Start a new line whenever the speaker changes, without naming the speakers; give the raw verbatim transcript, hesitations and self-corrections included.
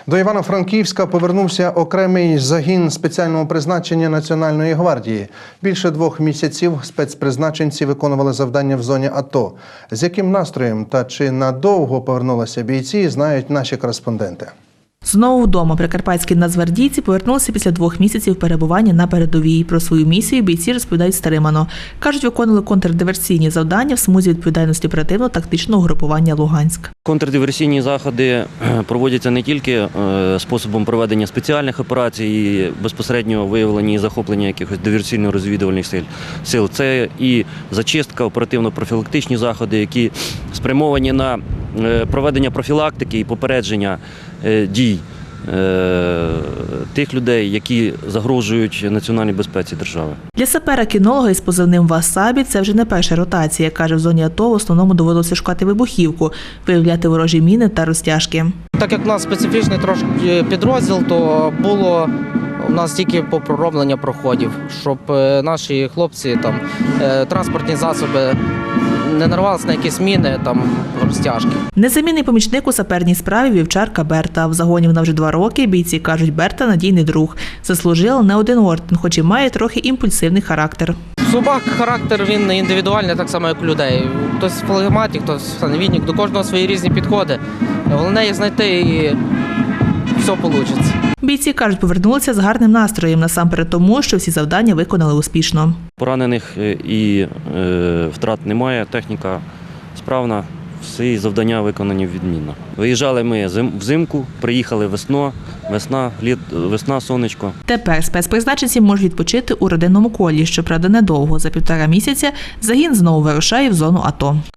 До Івано-Франківська повернувся окремий загін спеціального призначення Національної гвардії. Більше двох місяців спецпризначенці виконували завдання в зоні АТО. З яким настроєм та чи надовго повернулися бійці, знають наші кореспонденти.
Знову вдома прикарпатські нацгвардійці повернулися після двох місяців перебування на передовій. Про свою місію бійці розповідають стримано. Кажуть, виконували контрдиверсійні завдання в смузі відповідальності оперативно-тактичного групування «Луганськ».
Контрдиверсійні заходи проводяться не тільки способом проведення спеціальних операцій, і безпосереднього виявлення і захоплення якихось диверсійно-розвідувальних сил. Це і зачистка, оперативно-профілактичні заходи, які спрямовані на проведення профілактики і попередження дій тих людей, які загрожують національній безпеці держави.
Для сапера-кінолога із позивним «Васабі» це вже не перша ротація. Каже, в зоні АТО в основному доводилося шукати вибухівку, виявляти ворожі міни та розтяжки.
Так як у нас специфічний трошки підрозділ, то було у нас тільки по пророблення проходів, щоб наші хлопці, там, транспортні засоби не нарвалися на якісь міни, там, розтяжки.
Незамінний помічник у саперній справі вівчарка Берта. В загоні вона вже два роки. Бійці кажуть, Берта – надійний друг. Заслужила не один орден, хоч і має трохи імпульсивний характер.
Собак характер, він індивідуальний, так само, як у людей. Хтось флегматик, хтось саневідник, до кожного свої різні підходи. Головне їх знайти і все вийде.
Бійці кажуть, повернулися з гарним настроєм, насамперед тому, що всі завдання виконали успішно.
Поранених і е, втрат немає, техніка справна, всі завдання виконані відмінно. Виїжджали ми взимку, приїхали весно, весна, літ, весна, сонечко.
Тепер спецпризначенці можуть відпочити у родинному колі, щоправда недовго. За півтора місяця загін знову вирушає в зону АТО.